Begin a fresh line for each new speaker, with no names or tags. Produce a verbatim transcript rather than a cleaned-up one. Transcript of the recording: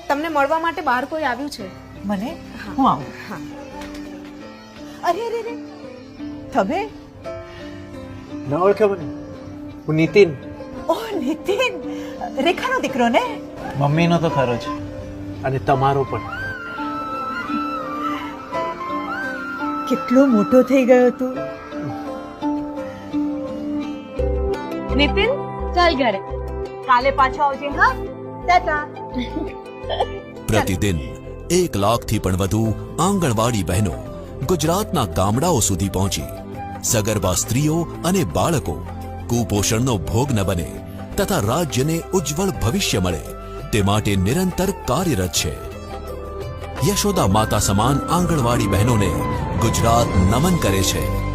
તમને મળવા માટે બહાર કોઈ આવ્યું છે.
મને હું આવું.
હા.
અરે અરે અરે તમે
ન ઓળખે મને? હું નીતિન.
ઓહ નીતિન, રેખાનો દીકરો ને?
મમ્મીનો તો ખરો જ, અને તમારો પણ.
કેટલો મોટો થઈ ગયો તું.
नितिन चल घरे काले पाछो आवजे हाँ टाटा
प्रतिदिन एक लाख थी पण વધુ આંગણવાડી બહેનો ગુજરાતના ગામડાઓ સુધી પહોંચી સગર્ભા સ્ત્રીઓ અને બાળકો કુપોષણનો ભોગ ન બને તથા રાજ્યને ઉજ્જવળ ભવિષ્ય મળે તે માટે નિરંતર કાર્યરત છે. યશોદા માતા સમાન આંગણવાડી બહેનોને ગુજરાત નમન કરે છે.